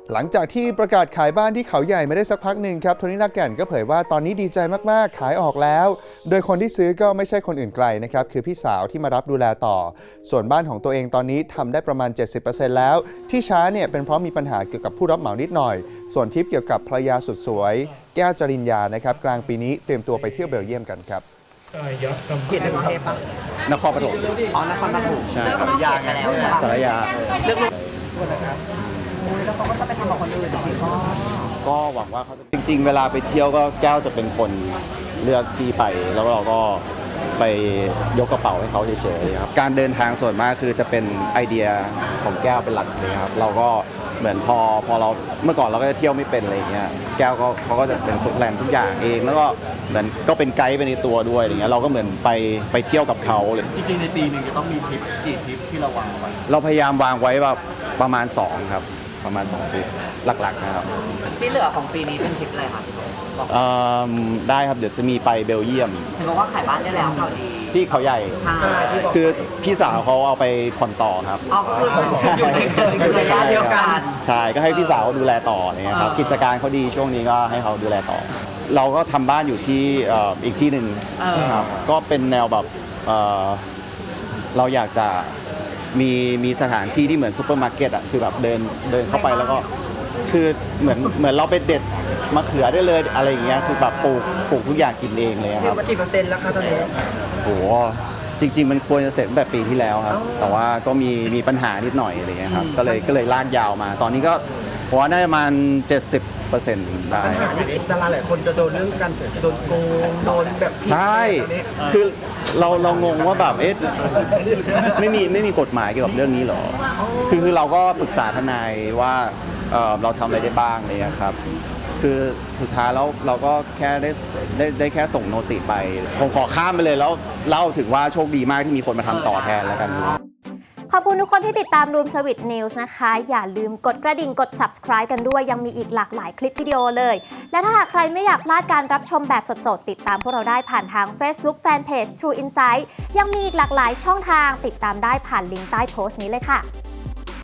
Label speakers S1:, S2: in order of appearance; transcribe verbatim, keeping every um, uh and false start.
S1: หลังจากที่ประกาศขายบ้านที่เขาใหญ่ไม่ได้สักพักหนึ่งครับโทนี่ลากแก่นก็เผยว่าตอนนี้ดีใจมากๆขายออกแล้วโดยคนที่ซื้อก็ไม่ใช่คนอื่นไกลนะครับคือพี่สาวที่มารับดูแลต่อส่วนบ้านของตัวเองตอนนี้ทำได้ประมาณ เจ็ดสิบเปอร์เซ็นต์ แล้วที่ช้าเนี่ยเป็นเพราะมีปัญหาเกี่ยวกับผู้รับเหมานิดหน่อยส่วนทริปเกี่ยวกับภรรยาสุดสวยแก้วจริญญานะครับกลางปีนี้เตรียมตัวไปเที่ยวเบลเยียมกันครับ
S2: เขตในกรุงเทพปะ
S3: นครปฐม
S2: อ๋อนครปฐม
S3: ใช่
S2: เลือกนอกเขตไปแล้วใช่ปะ
S3: สารยา
S2: เลือกลูกนะครับแล้วเขาก็จะไปทำกับคนอื่นสิก็
S3: ก็หวังว่าเขาจริงๆเวลาไปเที่ยวก็แก้วจะเป็นคนเลือกที่ไปแล้วเราก็ไปยกกระเป๋าให้เขาเฉยๆครับการเดินทางส่วนมากคือจะเป็นไอเดียของแก้วเป็นหลักเลยครับเราก็เหมือนพอพอเราเมื่อก่อนเราก็จะเที่ยวไม่เป็นอะไรเงี้ยแก้วก็เขาก็จะเป็นคนแพลนทุกอย่างเองแล้วก็เหมือนก็เป็นไกด์ไปในตัวด้วยอะไรเงี้ยเราก็เหมือนไปไปเที่ยวกับเขาเลย
S4: จริงๆในปีหนึ่งจะต้องมีทริปกี่ทริปที่เราวางไว้
S3: เราพยายามวางไว้แบบประมาณสองครับประมาณสองทริปหลักๆนะครับ
S2: ที่เหลือของปีนี้เป็นทริปอะไรครับ
S3: ได้ครับเดี๋ยวจะมีไปเบลเยียม
S2: เห็นบอกว่าขายบ้านได้แล้วข่าวดี
S3: ที่เขาใหญ่
S2: ใช่
S3: คือพี่สาวเขาเอาไปผ่อนต่อครับ
S2: อ๋อคืออยู่ในอยู่ในระยะเดียวกัน
S3: ใช่ก็ให้พี่สาวดูแลต่อเนี่ยครับกิจการเขาดีช่วงนี้ก็ให้เขาดูแลต่อเราก็ทำบ้านอยู่ที่อีกที่หนึ่งครับก็เป็นแนวแบบเราอยากจะมีมีสถานที่ที่เหมือนซูเปอร์มาร์เก็ตอ่ะคือแบบเดินเดินเข้าไปแล้วก็คือเหมือนเหมือนเราไปเด็ดมะเขือได้เลยอะไรอย่างเงี้ยคือแบบปลูกปลูกทุกอย่างกินเองเลยครับ
S2: กี่เปอร์เซ็นต์แล้วคะตอนนี้
S3: โหจริงๆมันควรจะเสร็จตั้งแต่ปีที่แล้วครับแต่ว่าก็มีมีปัญหานิดหน่อยอะไรเงี้ยครับก็เลยก็เลยลากยาวมาตอนนี้ก็ผมว่าน่าจะประมาณเจ็ดสิบเปอร์เซ็นต์ได้
S2: ปัญหาที่ดาราหลายคนจะโดนเรื่องการโดนโกงโดนแบบ
S3: ใช่คือเราเรางงว่าแบบเอ๊ะไม่มีไม่มีกฎหมายเกี่ยวกับเรื่องนี้หรอคือคือเราก็ปรึกษาทนายว่าเราทำอะไรได้บ้างอะไรเงี้ยครับคือสุดท้ายแล้วเราก็แค่ได้ได้ได้แค่ส่งโนติไปผมขอข้ามไปเลยแล้วเล่าถึงว่าโชคดีมากที่มีคนมาทำต่อแทนแล้วกัน
S5: ขอบคุณทุกคนที่ติดตาม Room Service News นะคะอย่าลืมกดกระดิ่งกด Subscribe กันด้วยยังมีอีกหลากหลายคลิปวิดีโอเลยและถ้าหากใครไม่อยากพลาดการรับชมแบบสดๆติดตามพวกเราได้ผ่านทาง Facebook Fanpage True Insight ยังมีอีกหลากหลายช่องทางติดตามได้ผ่านลิงก์ใต้โพสต์นี้เลยค่ะ